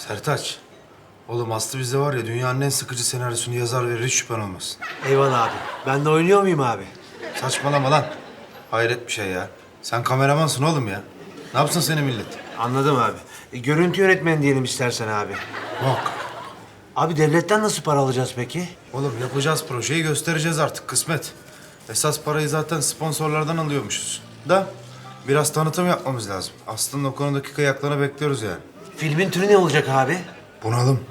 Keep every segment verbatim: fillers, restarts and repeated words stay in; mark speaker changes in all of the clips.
Speaker 1: Sertaç. Oğlum Aslı bizde var ya dünyanın en sıkıcı senaryosunu yazar verir, hiç şüphen olmasın.
Speaker 2: Eyvallah abi. Ben de oynuyor muyum abi?
Speaker 1: Saçmalama lan. Hayret bir şey ya. Sen kameramansın oğlum ya. Ne yapsın seni millet?
Speaker 2: Anladım abi. E, görüntü yönetmeni diyelim istersen abi.
Speaker 1: Yok.
Speaker 2: Abi devletten nasıl para alacağız peki?
Speaker 1: Oğlum yapacağız projeyi, göstereceğiz artık, kısmet. Esas parayı zaten sponsorlardan alıyormuşuz. Da biraz tanıtım yapmamız lazım. Aslı'nın o konudaki kıyaklarını bekliyoruz yani.
Speaker 2: Filmin türü ne olacak abi?
Speaker 1: Bunalım.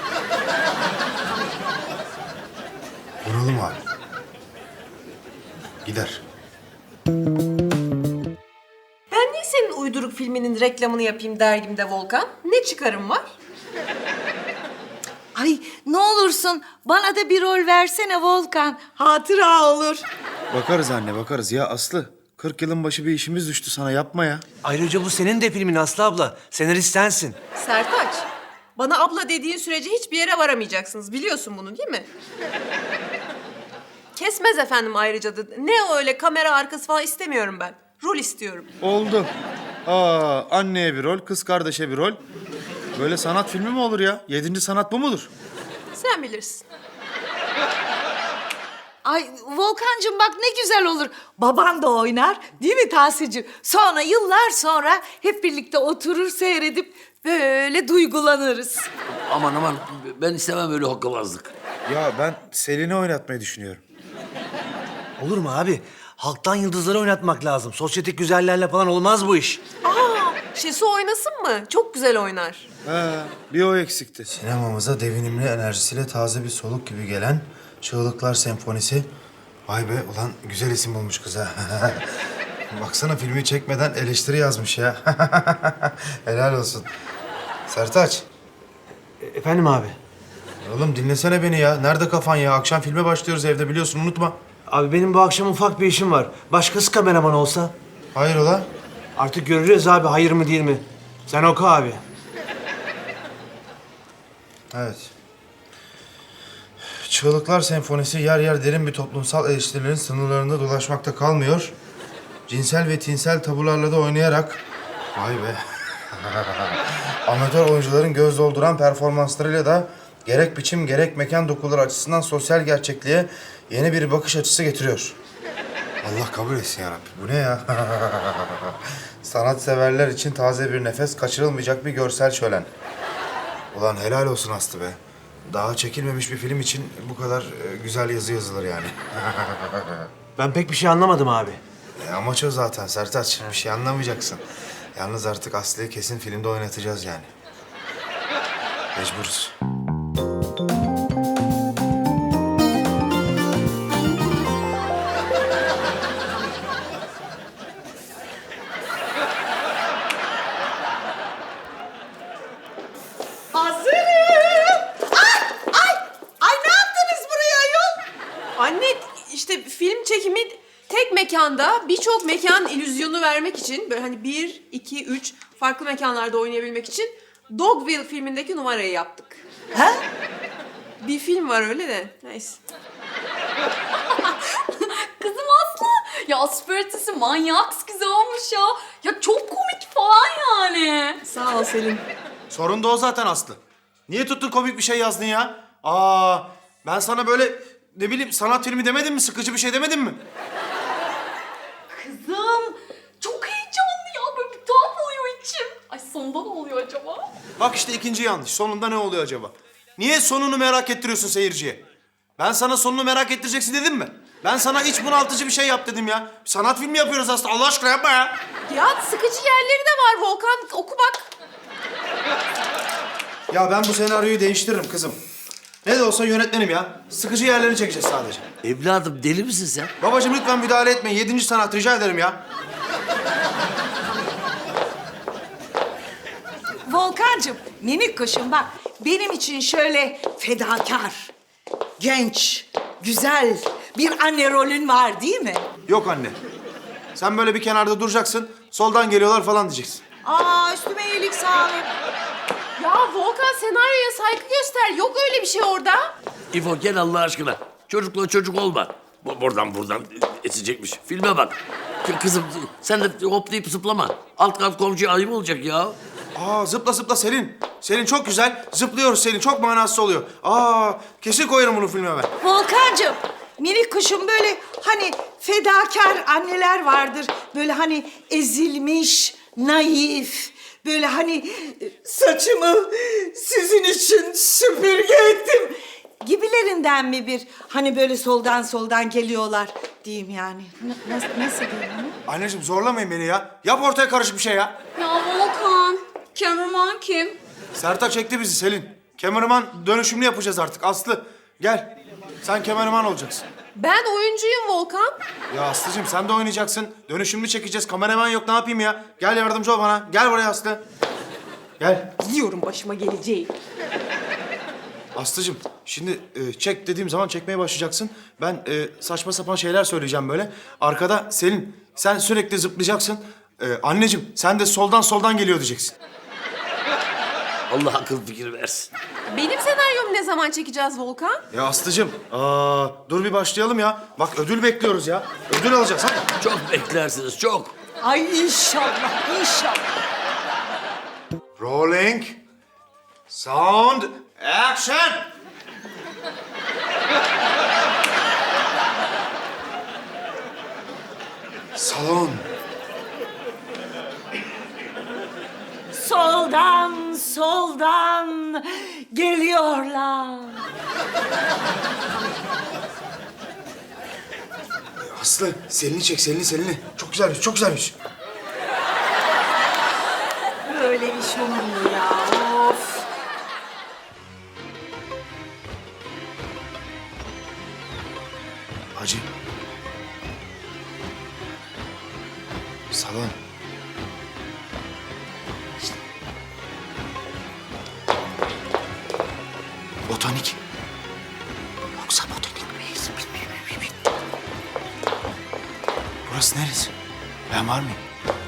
Speaker 1: Bunalım abi. Gider.
Speaker 3: Ben niye senin uyduruk filminin reklamını yapayım dergimde Volkan? Ne çıkarım var?
Speaker 4: Ay ne olursun bana da bir rol versene Volkan. Hatıra olur.
Speaker 1: Bakarız anne, bakarız. Ya Aslı, kırk yılın başı bir işimiz düştü sana, yapma ya.
Speaker 2: Ayrıca bu senin de filmin Aslı abla. Senarist sensin.
Speaker 3: Sertaç, bana abla dediğin sürece hiçbir yere varamayacaksınız. Biliyorsun bunu değil mi? Kesmez efendim ayrıca da. Ne öyle kamera arkası falan istemiyorum ben. Rol istiyorum.
Speaker 1: Oldu. Aa, anneye bir rol, kız kardeşe bir rol. Böyle sanat filmi mi olur ya? Yedinci sanat bu mudur?
Speaker 3: Sen bilirsin.
Speaker 4: Ay Volkancığım bak ne güzel olur. Baban da oynar değil mi Tahsin'cim? Sonra yıllar sonra hep birlikte oturur seyredip böyle duygulanırız.
Speaker 5: Aman aman ben istemem öyle hokkabazlık.
Speaker 1: Ya ben Selin'i oynatmayı düşünüyorum.
Speaker 2: Olur mu abi? Halktan yıldızları oynatmak lazım. Sosyetik güzellerle falan olmaz bu iş.
Speaker 3: Aa, Şesu oynasın mı? Çok güzel oynar.
Speaker 1: He, bir o eksikti. Sinemamıza devinimli enerjisiyle taze bir soluk gibi gelen Çığlıklar Senfonisi. Vay be, ulan güzel isim bulmuş kız ha. Baksana, filmi çekmeden eleştiri yazmış ya. Helal olsun. Sertaç,
Speaker 2: E, efendim abi?
Speaker 1: oğlum dinlesene beni ya. Nerede kafan ya? Akşam filme başlıyoruz evde, biliyorsun, unutma.
Speaker 2: Abi benim bu akşam ufak bir işim var. Başkası kameraman olsa?
Speaker 1: Hayrola?
Speaker 2: Artık göreceğiz abi hayır mı değil mi? Sen oku abi.
Speaker 1: Evet. Çığlıklar Senfonisi yer yer derin bir toplumsal eleştirilerin sınırlarında dolaşmakta kalmıyor. Cinsel ve tinsel tabularla da oynayarak... Vay be. Amatör oyuncuların göz dolduran performanslarıyla da gerek biçim gerek mekan dokuları açısından sosyal gerçekliğe yeni bir bakış açısı getiriyor. Allah kabul etsin yarabbim. Bu ne ya? Sanatseverler için taze bir nefes, kaçırılmayacak bir görsel şölen. Ulan helal olsun Aslı be. Daha çekilmemiş bir film için bu kadar e, güzel yazı yazılır yani.
Speaker 2: Ben pek bir şey anlamadım abi.
Speaker 1: E, amaç o zaten Sertaç. Bir şey anlamayacaksın. Yalnız artık Aslı'yı kesin filmde oynatacağız yani. Mecburuz.
Speaker 4: Hazırım. Ay ay ay ne yaptınız buraya ayol?
Speaker 3: Anne işte film çekimi tek mekanda birçok mekan illüzyonu vermek için böyle hani bir, iki, üç farklı mekanlarda oynayabilmek için Dogville filmindeki numarayı yaptık.
Speaker 4: Ha?
Speaker 3: Bir film var öyle de neyse.
Speaker 6: Kızım Aslı. Ya aspiratesi manyak güzel olmuş ya. Ya çok komik falan yani.
Speaker 3: Sağ ol Selin.
Speaker 1: Sorun da o zaten Aslı. Niye tuttun komik bir şey yazdın ya? Aa, ben sana böyle ne bileyim sanat filmi demedim mi? Sıkıcı bir şey demedim mi?
Speaker 6: Kızım çok heyecanlı ya. Böyle bir tuhaf oluyor içim. Ay sonunda ne oluyor acaba?
Speaker 1: Bak işte ikinci yanlış. Sonunda ne oluyor acaba? Niye sonunu merak ettiriyorsun seyirciye? Ben sana sonunu merak ettireceksin dedim mi? Ben sana iç bunaltıcı bir şey yap dedim ya. Sanat filmi yapıyoruz aslında. Allah aşkına yapma ya.
Speaker 3: Ya sıkıcı yerleri de var Volkan. Oku bak.
Speaker 1: Ya ben bu senaryoyu değiştiririm kızım. Ne de olsa yönetmenim ya. Sıkıcı yerlerini çekeceğiz sadece.
Speaker 5: Evladım deli misin sen?
Speaker 1: Babacığım lütfen müdahale etmeyin. Yedinci sanat rica ederim ya.
Speaker 4: Volkancığım minik kuşum bak benim için şöyle fedakar, genç, güzel bir anne rolün var değil mi?
Speaker 1: Yok anne. Sen böyle bir kenarda duracaksın. Soldan geliyorlar falan diyeceksin.
Speaker 4: Aa üstüme iyilik sağlık.
Speaker 3: Ya Volkan senaryoya saygı göster. Yok öyle bir şey orada.
Speaker 5: İfo gel Allah aşkına. Çocukla çocuk olma. Bu buradan buradan esecekmiş. Filme bak. K- Kızım sen de hoplayıp zıplama. Alt kat komşuya ayıp olacak ya.
Speaker 1: Aa zıpla zıpla Selin. Selin çok güzel. Zıplıyoruz Selin. Çok manasız oluyor. Aa, kesin koyarım bunu filme ben.
Speaker 4: Volkancığım, minik kuşum böyle hani fedakar anneler vardır. Böyle hani ezilmiş, naif. Böyle hani e, saçımı sizin için süpürge ettim gibilerinden mi bir hani böyle soldan soldan geliyorlar diyeyim yani. N- nasıl, nasıl diyeyim onu?
Speaker 1: Anneciğim zorlamayın beni ya. Yap ortaya karışık bir şey ya.
Speaker 6: Ya Volkan, cameraman kim?
Speaker 1: Sertaç çekti bizi Selin. Kameraman dönüşümlü yapacağız artık. Aslı gel. Sen kameraman olacaksın.
Speaker 3: Ben oyuncuyum Volkan.
Speaker 1: Ya Aslı'cığım sen de oynayacaksın. Dönüşümlü çekeceğiz. Kameraman yok ne yapayım ya? Gel yardımcı ol bana. Gel buraya Aslı. Gel.
Speaker 3: Biliyorum başıma geleceği.
Speaker 1: Aslı'cığım şimdi e, çek dediğim zaman çekmeye başlayacaksın. Ben e, saçma sapan şeyler söyleyeceğim böyle. Arkada Selin sen sürekli zıplayacaksın. E, anneciğim sen de soldan soldan geliyor diyeceksin.
Speaker 5: Allah akıl fikir versin.
Speaker 3: Benim senaryomu ne zaman çekeceğiz Volkan?
Speaker 1: Ya Aslı'cığım aa, dur bir başlayalım ya. Bak ödül bekliyoruz ya. Ödül alacağız hadi.
Speaker 5: Çok beklersiniz, çok.
Speaker 4: Ay inşallah, inşallah.
Speaker 1: Rolling. Sound. Action. Salon.
Speaker 4: Soldan, soldan geliyorlar.
Speaker 1: Aslı, Selin'i çek, Selin'i, Selin'i. Çok güzelmiş, çok güzelmiş.
Speaker 4: Böyle iş olur mu ya? Of.
Speaker 1: Hacı. Salon. Botanik. Yoksa botanik miyiz? Burası neresi? Ben var mıyım?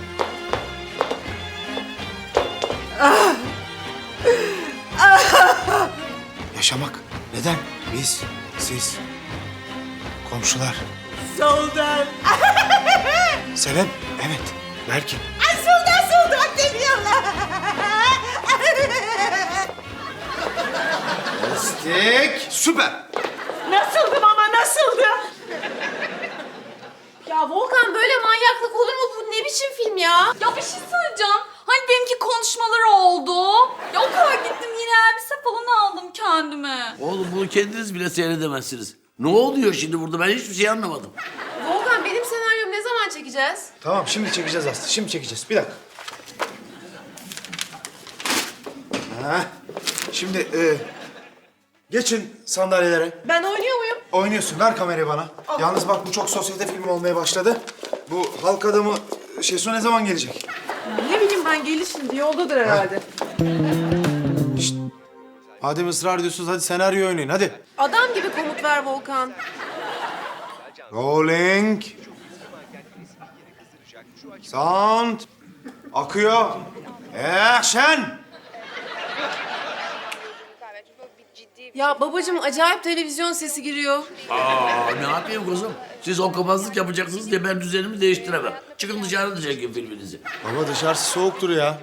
Speaker 1: Yaşamak. Neden? Biz, siz, komşular.
Speaker 4: Soldan.
Speaker 1: Sebep? Evet. Belki.
Speaker 4: Ay soldan soldan geliyorlar.
Speaker 1: Lastik. Süper.
Speaker 4: Nasıldım ama nasıldım?
Speaker 3: Ya Volkan böyle manyaklık olur mu? Bu ne biçim film ya?
Speaker 6: Ya bir şey söyleyeceğim. Hani benimki konuşmaları oldu. Ya o kadar gittim yine elbise falan aldım kendime.
Speaker 5: Oğlum bunu kendiniz bile seyredemezsiniz. Ne oluyor şimdi burada? Ben hiçbir şey anlamadım.
Speaker 3: Volkan benim senaryomu ne zaman çekeceğiz?
Speaker 1: Tamam şimdi çekeceğiz Aslı. Şimdi çekeceğiz. Bir dakika. Ha. Şimdi e, geçin sandalyelere.
Speaker 3: Ben oynuyor muyum?
Speaker 1: Oynuyorsun. Ver kamerayı bana. Yalnız bak bu çok sosyete filmi olmaya başladı. Bu halk adamı Şesu ne zaman gelecek?
Speaker 3: Ne bileyim ben gelir şimdi yoldadır herhalde.
Speaker 1: Madem ısrar ediyorsunuz hadi senaryo oynayın hadi.
Speaker 3: Adam gibi komut ver Volkan.
Speaker 1: Rolling. Sound. Akıyor. Action.
Speaker 3: Ya babacığım acayip televizyon sesi giriyor.
Speaker 5: Aa ne yapayım kızım? Siz okumazlık yapacaksınız diye ben düzenimi değiştiremem. Çıkın dışarı çekin filminizi.
Speaker 1: Baba dışarısı soğuktur ya.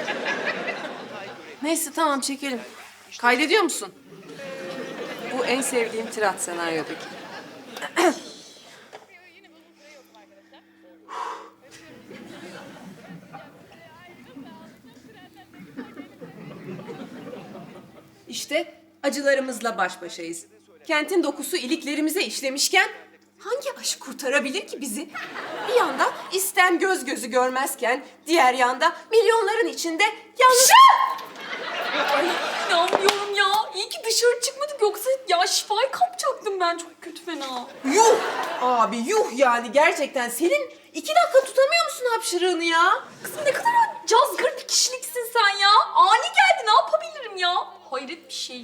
Speaker 3: Neyse tamam çekelim. Kaydediyor musun? Bu en sevdiğim tirat senaryodaki. İşte acılarımızla baş başayız. Kentin dokusu iliklerimize işlemişken hangi aşk kurtarabilir ki bizi? Bir yanda isten göz gözü görmezken diğer yanda milyonların içinde yalnız...
Speaker 6: Ay inanmıyorum ya. İyi ki dışarı çıkmadık yoksa ya şifayı kapacaktım ben çok kötü fena.
Speaker 3: Yuh! Abi yuh yani gerçekten. Senin iki dakika tutamıyor musun hapşırığını ya?
Speaker 6: Kızım ne kadar cazgır bir kişiliksin sen ya. Ani geldi ne yapabilirim ya? Hayret bir şey.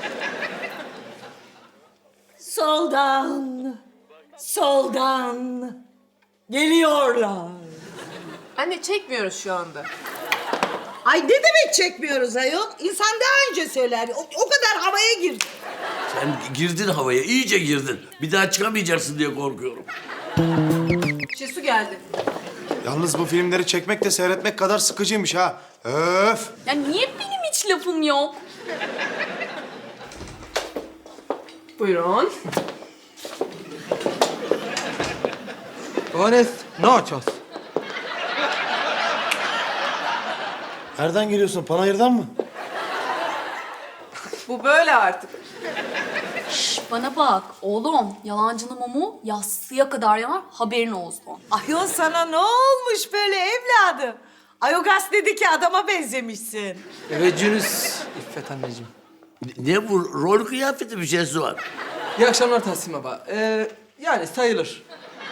Speaker 4: Soldan, soldan geliyorlar.
Speaker 3: Anne çekmiyoruz şu anda.
Speaker 4: Ay ne demek çekmiyoruz ayol? İnsan daha önce söyler. O, o kadar havaya girdi.
Speaker 5: Sen girdin havaya, iyice girdin. Bir daha çıkamayacaksın diye korkuyorum.
Speaker 3: Şesu geldi.
Speaker 1: Yalnız bu filmleri çekmek de seyretmek kadar sıkıcıymış ha. Öf.
Speaker 6: Ya niye benim hiç hiç lafım yok.
Speaker 3: Buyurun.
Speaker 7: Buenas noches.
Speaker 1: Nereden geliyorsun? Panayır'dan mı?
Speaker 3: Bu böyle artık.
Speaker 6: Şş, bana bak oğlum, yalancının mumu yassıya kadar yanar, haberin olsun.
Speaker 4: Ayol sana ne olmuş böyle evladım? Ayogas dedi ki adama benzemişsin.
Speaker 7: Teveccühünüz İffet anneciğim.
Speaker 5: Ne bu? Rol kıyafeti bir şeysi var.
Speaker 7: İyi akşamlar Tahsin Baba. Ee, yani sayılır.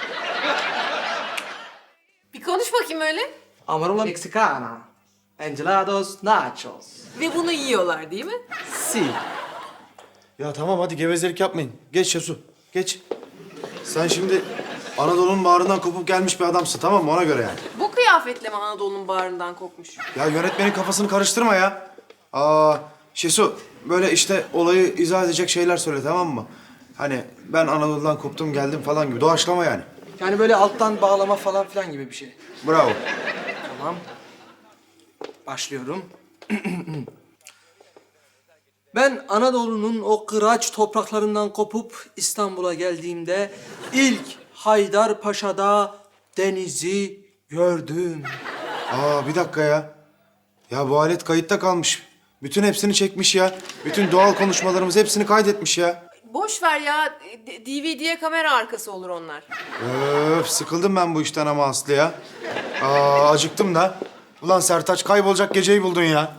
Speaker 3: Bir konuş bakayım öyle.
Speaker 7: Amarola Mexicana. Enchilados nachos.
Speaker 3: Ve bunu yiyorlar değil mi?
Speaker 7: Si.
Speaker 1: Ya tamam hadi gevezelik yapmayın. Geç Şesu. Geç. Sen şimdi Anadolu'nun bağrından kopup gelmiş bir adamsın tamam mı? Ona göre yani.
Speaker 3: Bu kıyafetle mi Anadolu'nun bağrından kopmuş?
Speaker 1: Ya yönetmenin kafasını karıştırma ya. Aa Şesu böyle işte olayı izah edecek şeyler söyle tamam mı? Hani ben Anadolu'dan koptum geldim falan gibi. Doğaçlama yani.
Speaker 7: Yani böyle alttan bağlama falan filan gibi bir şey.
Speaker 1: Bravo.
Speaker 7: Tamam. Başlıyorum. Ben Anadolu'nun o kıraç topraklarından kopup İstanbul'a geldiğimde ilk Haydarpaşa'da denizi gördüm.
Speaker 1: Aa bir dakika ya. Ya bu alet kayıtta kalmış. Bütün hepsini çekmiş ya. Bütün doğal konuşmalarımız hepsini kaydetmiş ya.
Speaker 3: Boş ver ya. D- D V D'ye kamera arkası olur onlar.
Speaker 1: Öf sıkıldım ben bu işten ama Aslı ya. Aa acıktım da. Ulan Sertaç kaybolacak geceyi buldun ya.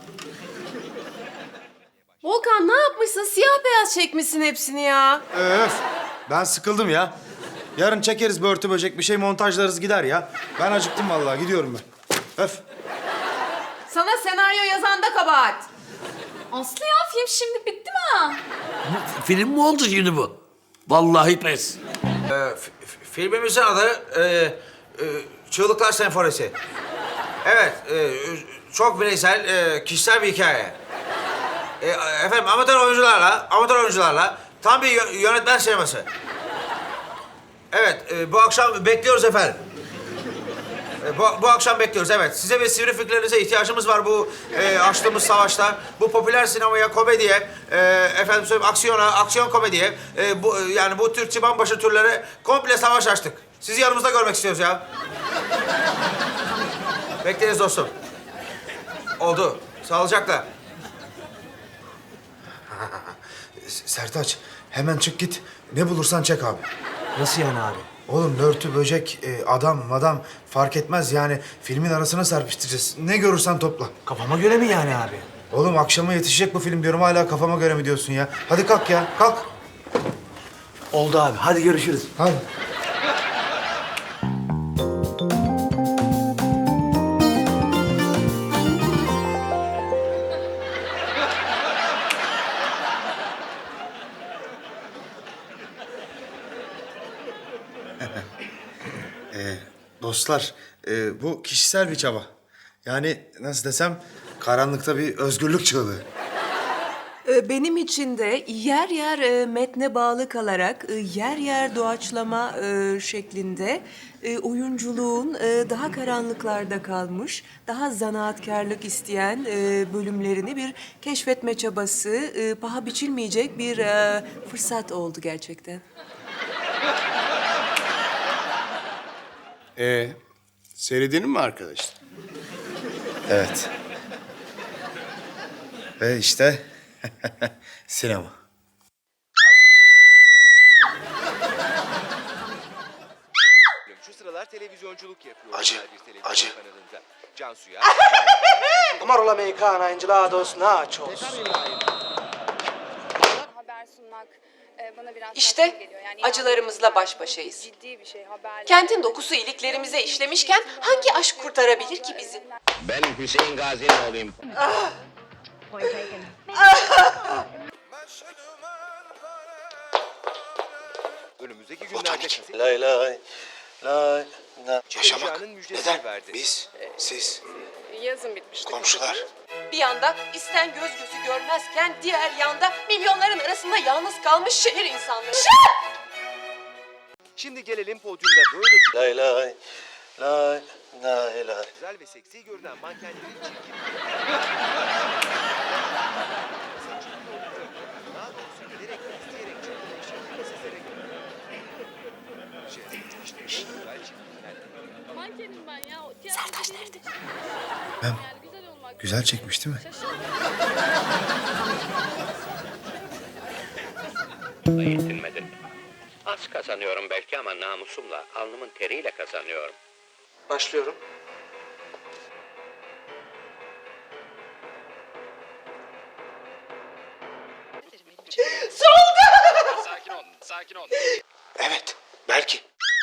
Speaker 3: Volkan ne yapmışsın? Siyah beyaz çekmişsin hepsini ya.
Speaker 1: Öf ben sıkıldım ya. Yarın çekeriz börtü böcek bir şey montajlarız gider ya. Ben acıktım vallahi gidiyorum ben. Öf.
Speaker 3: Sana senaryo yazan da kabahat.
Speaker 6: Aslı ya, film şimdi bitti mi?
Speaker 5: Film mi oldu şimdi bu? Vallahi pes.
Speaker 8: Filmimizin adı e, e, Çığlıklar Senfonisi. Evet, e, çok bireysel, e, kişisel bir hikaye. E, efendim amatör oyuncularla, amatör oyuncularla tam bir yö- yönetmen sineması. Evet, e, bu akşam bekliyoruz efendim. E, bu, bu akşam bekliyoruz, evet. Size ve sivri fikirlerinize ihtiyacımız var bu e, açtığımız savaşta. Bu popüler sinemaya, komediye, e, efendim söyleyeyim aksiyona, aksiyon komediye, e, bu, e, yani bu tür çıbanbaşı türlere komple savaş açtık. Sizi yanımızda görmek istiyoruz ya. Bekleriz dostum. Oldu. Sağlıcakla.
Speaker 1: Sertaç hemen çık git. Ne bulursan çek abi.
Speaker 2: Nasıl yani abi?
Speaker 1: Oğlum börtü böcek, e, adam madam fark etmez yani. Filmin arasına serpiştireceğiz. Ne görürsen topla.
Speaker 2: Kafama göre mi yani abi?
Speaker 1: Oğlum akşama yetişecek bu film diyorum hala kafama göre mi diyorsun ya? Hadi kalk ya kalk.
Speaker 2: Oldu abi. Hadi görüşürüz.
Speaker 1: Hadi. Ee, dostlar, e, bu kişisel bir çaba. Yani nasıl desem, karanlıkta bir özgürlük çığlığı.
Speaker 3: Ee, Benim için de yer yer e, metne bağlı kalarak, e, yer yer doğaçlama e, şeklinde e, oyunculuğun e, daha karanlıklarda kalmış, daha zanaatkarlık isteyen e, bölümlerini bir keşfetme çabası, e, paha biçilmeyecek bir e, fırsat oldu gerçekten.
Speaker 9: Ee, seyredin mi arkadaşlar?
Speaker 1: Evet. Ve işte sinema.
Speaker 10: Şu sıralar televizyonculuk yapıyor.
Speaker 1: Acı,
Speaker 10: özel bir televizyon
Speaker 1: acı.
Speaker 10: kanalında. Cansu'ya...
Speaker 7: Amarola Mexicana. Enchilados nachos.
Speaker 11: Haber sunmak e, bana biraz
Speaker 3: İşte
Speaker 11: saçma geliyor. Yani
Speaker 3: acılarımızla
Speaker 11: yani
Speaker 3: baş başayız.
Speaker 11: Ciddi bir şey haber.
Speaker 3: Kentin dokusu iliklerimize işlemişken hangi aşk kurtarabilir ki bizi?
Speaker 10: Ben Hüseyin Gazi'nin oğluyum. Önümüzdeki günlerde kaset
Speaker 1: Lay lay lay lay.
Speaker 10: yaşamak müjdesini verdi.
Speaker 1: Biz, siz,
Speaker 11: Yazın bitmişti.
Speaker 1: komşular.
Speaker 3: Bir yanda isten göz gözü görmezken diğer yanda milyonların arasında yalnız kalmış şehir insanları.
Speaker 10: Şimdi gelelim podyumda böyle
Speaker 1: Lay lay lay lay lay.
Speaker 10: güzel ve seksi görünen mankenlerin çirkin
Speaker 1: Güzel çekmiş değil mi?
Speaker 10: Yetinmedin. Az kazanıyorum belki ama namusumla, alnımın teriyle kazanıyorum.
Speaker 7: Başlıyorum.
Speaker 10: Sakin ol, sakin ol.
Speaker 1: Evet, belki.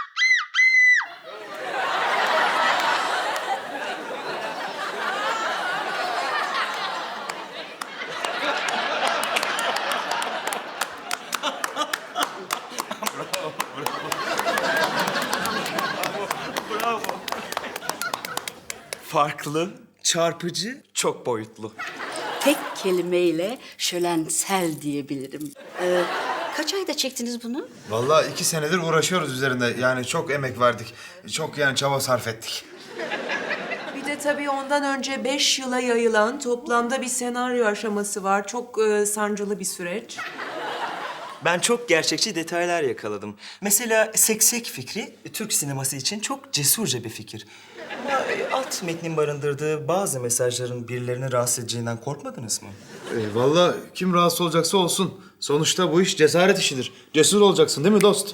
Speaker 12: Farklı, çarpıcı, çok boyutlu.
Speaker 13: Tek kelimeyle şölensel diyebilirim. Ee, kaç ayda çektiniz bunu?
Speaker 1: Vallahi iki senedir uğraşıyoruz üzerinde. Yani çok emek verdik. Çok yani çaba sarf ettik.
Speaker 3: Bir de tabii ondan önce beş yıla yayılan toplamda bir senaryo aşaması var. Çok e, sancılı bir süreç.
Speaker 12: Ben çok gerçekçi detaylar yakaladım. Mesela seksek fikri Türk sineması için çok cesurca bir fikir. Ama e, alt metnin barındırdığı bazı mesajların birilerini rahatsız edeceğinden korkmadınız mı?
Speaker 1: Ee, vallahi kim rahatsız olacaksa olsun. Sonuçta bu iş cesaret işidir. Cesur olacaksın değil mi dost?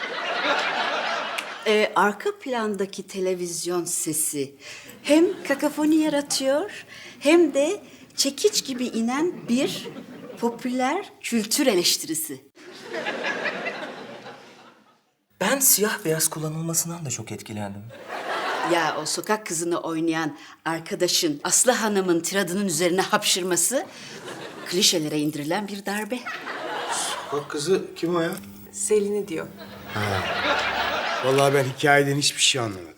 Speaker 13: Ee, arka plandaki televizyon sesi hem kakafoni yaratıyor hem de çekiç gibi inen bir popüler kültür eleştirisi.
Speaker 12: Ben siyah beyaz kullanılmasından da çok etkilendim.
Speaker 13: Ya o sokak kızını oynayan arkadaşın Aslı Hanım'ın tiradının üzerine hapşırması klişelere indirilen bir darbe.
Speaker 1: Bak kızı kim o ya?
Speaker 3: Selin'i diyor.
Speaker 9: Vallahi ben hikayeden hiçbir şey anlamadım.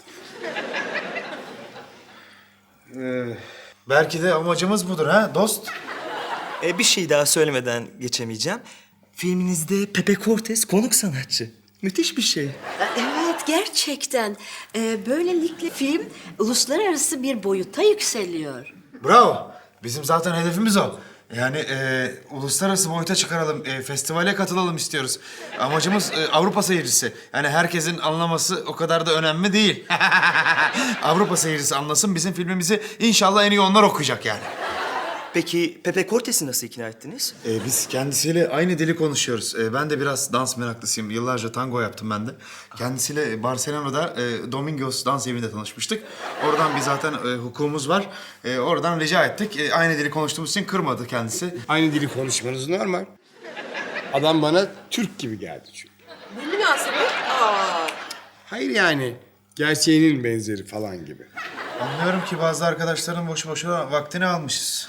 Speaker 1: Ee, belki de amacımız budur ha dost.
Speaker 12: E, bir şey daha söylemeden geçemeyeceğim. Filminizde Pepe Cortez konuk sanatçı. Müthiş bir şey.
Speaker 13: Evet, gerçekten. Ee, böylelikle film uluslararası bir boyuta yükseliyor.
Speaker 1: Bravo. Bizim zaten hedefimiz o. Yani e, uluslararası boyuta çıkaralım, e, festivale katılalım istiyoruz. Amacımız e, Avrupa seyircisi. Yani herkesin anlaması o kadar da önemli değil. Avrupa seyircisi anlasın, bizim filmimizi inşallah en iyi onlar okuyacak yani.
Speaker 12: Peki Pepe Cortez'i nasıl ikna ettiniz?
Speaker 1: E, biz kendisiyle aynı dili konuşuyoruz. E, ben de biraz dans meraklısıyım. Yıllarca tango yaptım ben de. Kendisiyle Barcelona'da e, Domingos dans evinde tanışmıştık. Oradan bir zaten e, hukukumuz var. E, oradan rica ettik. E, aynı dili konuştuğumuz için kırmadı kendisi.
Speaker 9: Aynı dili konuşmanız normal. Adam bana Türk gibi geldi çünkü.
Speaker 3: Bu münasebet. Aa.
Speaker 9: Hayır yani gerçeğinin benzeri falan gibi.
Speaker 1: Anlıyorum ki bazı arkadaşların boşu boşuna vaktini almışız.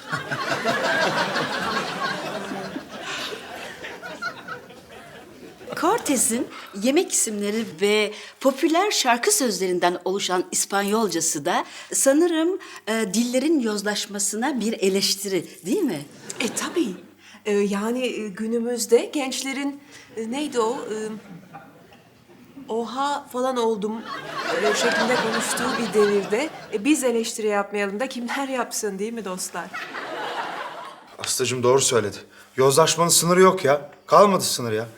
Speaker 13: Cortez'in yemek isimleri ve popüler şarkı sözlerinden oluşan İspanyolcası da sanırım e, dillerin yozlaşmasına bir eleştiri, değil mi?
Speaker 3: E tabii. E, yani e, günümüzde gençlerin e, neydi o? E, oha falan oldum e, şeklinde konuştuğu bir devirde e, biz eleştiri yapmayalım da kimler yapsın değil mi dostlar?
Speaker 1: Aslıcığım doğru söyledi. Yozlaşmanın sınırı yok ya. Kalmadı sınır ya.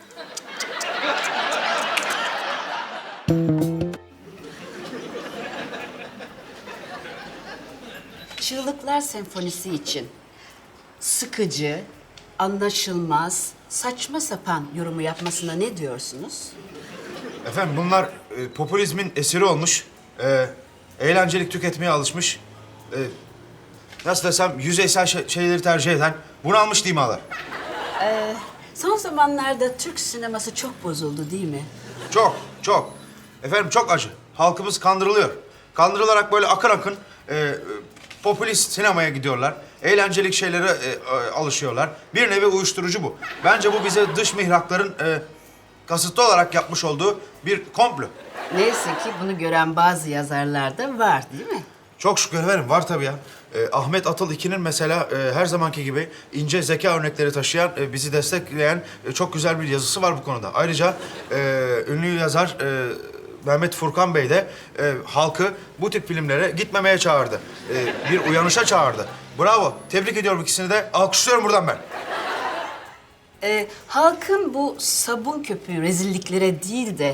Speaker 13: Çığlıklar Senfonisi için sıkıcı, anlaşılmaz, saçma sapan yorumu yapmasına ne diyorsunuz?
Speaker 1: Efendim bunlar e, popülizmin esiri olmuş. E, eğlencelik tüketmeye alışmış. E, nasıl desem yüzeysel şey- şeyleri tercih eden bunalmış dimalar.
Speaker 13: Ee, son zamanlarda Türk sineması çok bozuldu, değil mi?
Speaker 1: Çok, çok. Efendim çok acı. Halkımız kandırılıyor. Kandırılarak böyle akın akın e, e, popülist sinemaya gidiyorlar. Eğlencelik şeylere e, e, alışıyorlar. Bir nevi uyuşturucu bu. Bence bu bize dış mihrakların e, kasıtlı olarak yapmış olduğu bir komplo.
Speaker 13: Neyse ki bunu gören bazı yazarlar da var, değil mi?
Speaker 1: Çok şükür efendim var tabii ya. E, Ahmet Atıl iki'nin mesela e, her zamanki gibi ince zeka örnekleri taşıyan, e, bizi destekleyen e, çok güzel bir yazısı var bu konuda. Ayrıca e, ünlü yazar e, Mehmet Furkan Bey de e, halkı bu tip filmlere gitmemeye çağırdı. E, bir uyanışa çağırdı. Bravo. Tebrik ediyorum ikisini de. Alkışlıyorum buradan ben.
Speaker 13: Ee, halkın bu sabun köpüğü rezilliklere değil de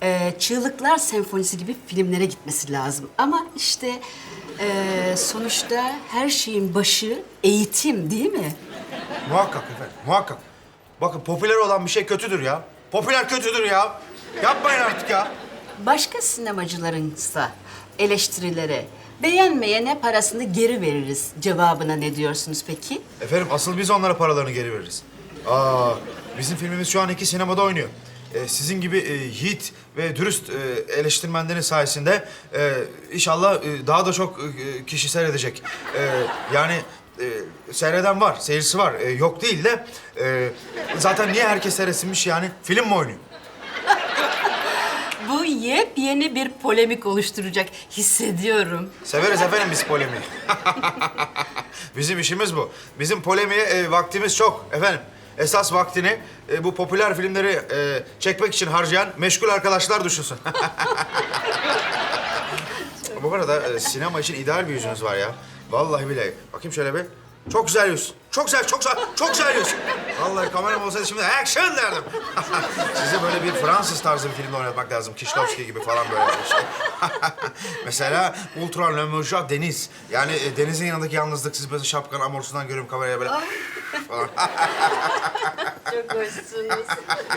Speaker 13: e, Çığlıklar Senfonisi gibi filmlere gitmesi lazım. Ama işte e, sonuçta her şeyin başı eğitim değil mi?
Speaker 1: Muhakkak efendim, muhakkak. Bakın popüler olan bir şey kötüdür ya. Popüler kötüdür ya. Yapmayın artık ya.
Speaker 13: Başka sinemacılarınsa eleştirilere beğenmeyene parasını geri veririz cevabına ne diyorsunuz peki?
Speaker 1: Efendim asıl biz onlara paralarını geri veririz. Aa, bizim filmimiz şu an iki sinemada oynuyor. Ee, sizin gibi e, yiğit ve dürüst e, eleştirmenlerin sayesinde e, inşallah e, daha da çok e, kişi seyredecek. E, yani e, seyreden var, seyircisi var. E, yok değil de e, zaten niye herkes seyretsinmiş yani? Film mi oynuyor?
Speaker 13: Bu yepyeni bir polemik oluşturacak hissediyorum.
Speaker 1: Severiz efendim biz polemiği. Bizim işimiz bu. Bizim polemiğe e, vaktimiz çok efendim. Esas vaktini e, bu popüler filmleri e, çekmek için harcayan meşgul arkadaşlar düşünsün. Bu arada e, sinema için ideal bir yüzünüz var ya. Vallahi bile. Bakayım şöyle bir. Çok güzel yüz. Çok güzel, çok güzel, çok güzel yüz. Vallahi kameram olsaydı şimdi action derdim. Size böyle bir Fransız tarzı bir filmde oynatmak lazım. Kieślowski gibi falan böyle bir şey. Mesela Ultra Le Mouja Deniz. Yani e, denizin yanındaki yalnızlık. Siz böyle şapkanın amorsundan görüyorum kameraya böyle. falan.
Speaker 13: Çok hoşsunuz.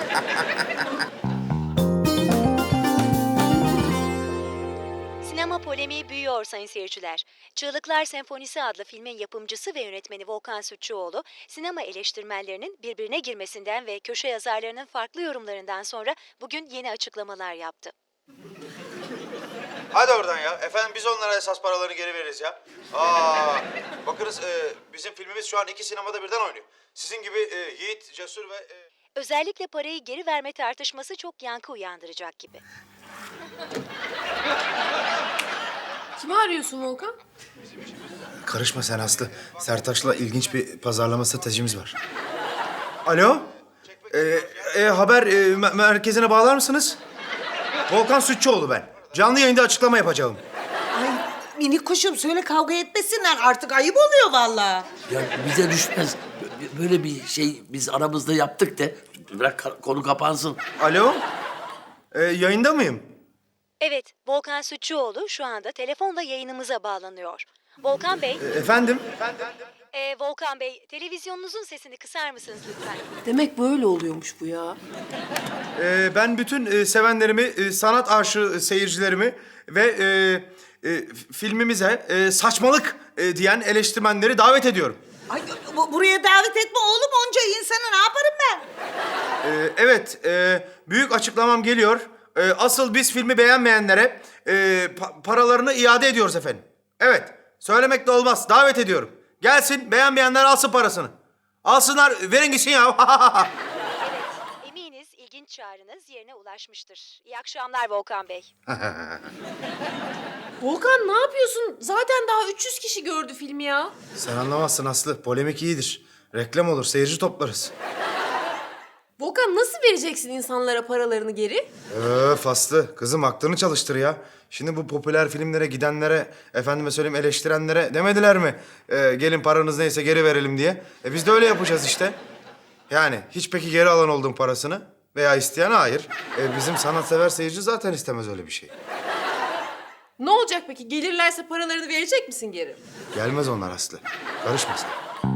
Speaker 14: Sinema polemiği büyüyor sayın seyirciler. Çığlıklar Senfonisi adlı filmin yapımcısı ve yönetmeni Volkan Sütçüoğlu, sinema eleştirmenlerinin birbirine girmesinden ve köşe yazarlarının farklı yorumlarından sonra bugün yeni açıklamalar yaptı.
Speaker 1: Hadi oradan ya. Efendim biz onlara esas paralarını geri veririz ya. Aa, bakınız e, bizim filmimiz şu an iki sinemada birden oynuyor. Sizin gibi e, yiğit, cesur ve... E...
Speaker 14: Özellikle parayı geri verme tartışması çok yankı uyandıracak gibi.
Speaker 3: Kimi arıyorsun Volkan?
Speaker 1: Karışma sen Aslı. Sertaç'la ilginç bir pazarlama stratejimiz var. Alo? Ee, e, haber e, me- merkezine bağlar mısınız? Volkan Sütçüoğlu ben. Canlı yayında açıklama yapacağım.
Speaker 4: Ay minik kuşum söyle kavga etmesinler artık ayıp oluyor vallahi.
Speaker 5: Ya bize düşmez. Bö- Böyle bir şey biz aramızda yaptık de bırak ka- konu kapansın.
Speaker 1: Alo? Ee, yayında mıyım?
Speaker 14: Evet, Volkan Sütçüoğlu şu anda telefonla yayınımıza bağlanıyor. Volkan Bey,
Speaker 1: E, efendim?
Speaker 14: e, Volkan Bey, televizyonunuzun sesini kısar mısınız lütfen?
Speaker 3: Demek böyle oluyormuş bu ya.
Speaker 1: Ee, ben bütün e, sevenlerimi, e, sanat aşığı seyircilerimi ve e, e, filmimize e, saçmalık e, diyen eleştirmenleri davet ediyorum.
Speaker 4: Ay bu- buraya davet etme oğlum onca insanı ne yaparım ben?
Speaker 1: Ee, evet, e, büyük açıklamam geliyor. E, asıl biz filmi beğenmeyenlere e, pa- paralarını iade ediyoruz efendim. Evet, söylemek de olmaz. Davet ediyorum. Gelsin, beğenmeyenler alsın parasını. Alsınlar, verin gitsin ya.
Speaker 14: Evet, eminiz ilginç çağrınız yerine ulaşmıştır. İyi akşamlar Volkan Bey.
Speaker 3: Volkan ne yapıyorsun? Zaten daha üç yüz kişi gördü filmi ya.
Speaker 1: Sen anlamazsın Aslı. Polemik iyidir. Reklam olur, seyirci toplarız.
Speaker 3: Volkan nasıl vereceksin insanlara paralarını geri?
Speaker 1: Öf Aslı, kızım aklını çalıştır ya. Şimdi bu popüler filmlere gidenlere, efendime söyleyeyim eleştirenlere demediler mi? Ee, gelin paranız neyse geri verelim diye. E biz de öyle yapacağız işte. Yani hiç peki geri alan oldun parasını veya isteyen hayır. E, bizim sanatsever seyirci zaten istemez öyle bir şey.
Speaker 3: Ne olacak peki? Gelirlerse paralarını verecek misin geri?
Speaker 1: Gelmez onlar Aslı. Karışma sen.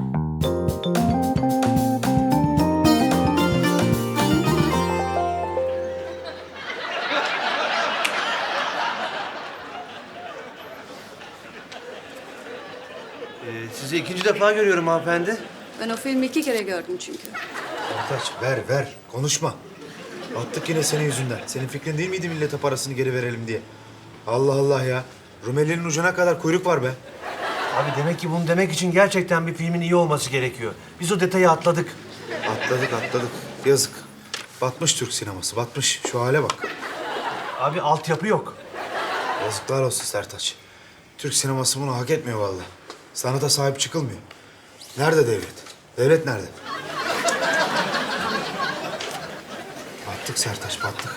Speaker 2: Ee, sizi ikinci defa görüyorum hanımefendi.
Speaker 13: Ben o filmi iki kere gördüm çünkü.
Speaker 1: Sertaç ver ver konuşma. Attık yine senin yüzünden. Senin fikrin değil miydi millete parasını geri verelim diye? Allah Allah ya. Rumeli'nin ucuna kadar kuyruk var be.
Speaker 2: Abi demek ki bunu demek için gerçekten bir filmin iyi olması gerekiyor. Biz o detayı atladık.
Speaker 1: Atladık atladık. Yazık. Batmış Türk sineması batmış. Şu hale bak.
Speaker 2: Abi altyapı yok.
Speaker 1: Yazıklar olsun Sertaç. Türk sineması bunu hak etmiyor vallahi. Sanata sahip çıkılmıyor. Nerede devlet? Devlet nerede? Battık Sertaç, battık.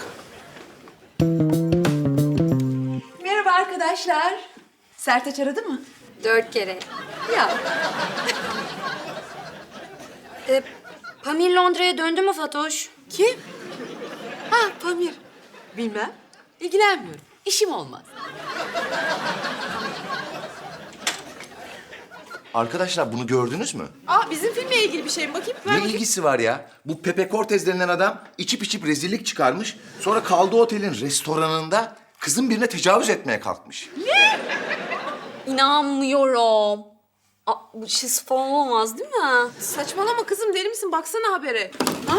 Speaker 15: Merhaba arkadaşlar. Sertaç aradı mı?
Speaker 6: Dört kere.
Speaker 15: Ya.
Speaker 6: E, Pamir Londra'ya döndü mü Fatoş?
Speaker 15: Kim? Ha Pamir. Bilmem. İlgilenmiyorum. İşim olmaz.
Speaker 16: Arkadaşlar bunu gördünüz mü?
Speaker 3: Aa bizim filmle ilgili bir şey mi? Bakayım. Ver
Speaker 16: Ne
Speaker 3: bakayım.
Speaker 16: ilgisi var ya? Bu Pepe Cortez denilen adam içip içip rezillik çıkarmış. Sonra kaldığı otelin restoranında kızın birine tecavüz etmeye kalkmış.
Speaker 6: İnanmıyorum. Aa, bu şiz falan olmaz değil mi?
Speaker 3: Saçmalama kızım, deli misin? Baksana habere. Ha?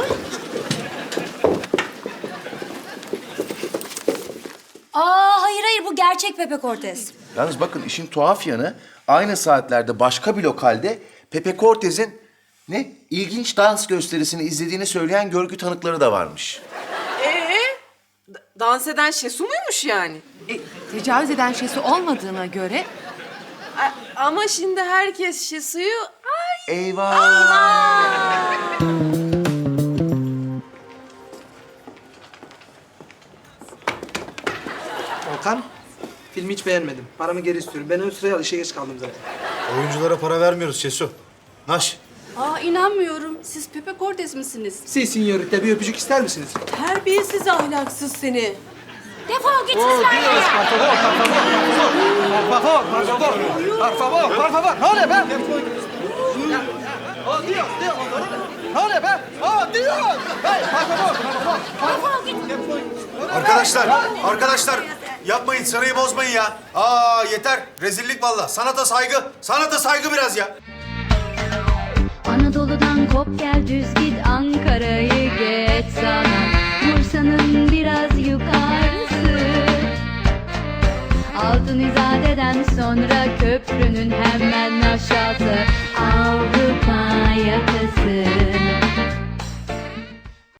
Speaker 14: Aa hayır hayır bu gerçek Pepe Cortez.
Speaker 16: Yalnız bakın işin tuhaf yanı aynı saatlerde başka bir lokalde Pepe Cortez'in ne ilginç dans gösterisini izlediğini söyleyen görgü tanıkları da varmış.
Speaker 3: Ee, d- dans eden Şesu muymuş yani?
Speaker 15: E, tecavüz eden şeysi olmadığına göre...
Speaker 3: A- ama şimdi herkes Şesu'yu... Ay.
Speaker 16: Eyvah!
Speaker 7: Volkan, filmi hiç beğenmedim. Paramı geri istiyorum. Ben ön sıraya al, işe geç kaldım zaten.
Speaker 1: Oyunculara para vermiyoruz Şesu. Naş.
Speaker 6: Aa inanmıyorum. Siz Pepe Cortez misiniz?
Speaker 7: Si, sinyorita, bir öpücük ister misiniz?
Speaker 3: Terbiyesiz, ahlaksız seni.
Speaker 6: Defol git
Speaker 7: Oh,
Speaker 6: sizler
Speaker 7: Dios,
Speaker 6: ya.
Speaker 7: por favor, por favor, por favor, por favor, por favor, ne oluyor be? Ya, oh, Dios, Dios, ne oluyor be? Oh, Dios! Hey, por favor, por favor.
Speaker 1: Arkadaşlar, arkadaşlar yapmayın, sırayı bozmayın ya. Aa yeter, rezillik vallahi. Sanata saygı, sanata saygı biraz ya.
Speaker 17: Anadolu'dan kop gel düz git Ankara'yı geç sana Bursa'nın biraz yukarısı Altın İzade'den sonra köprünün hemen aşağısı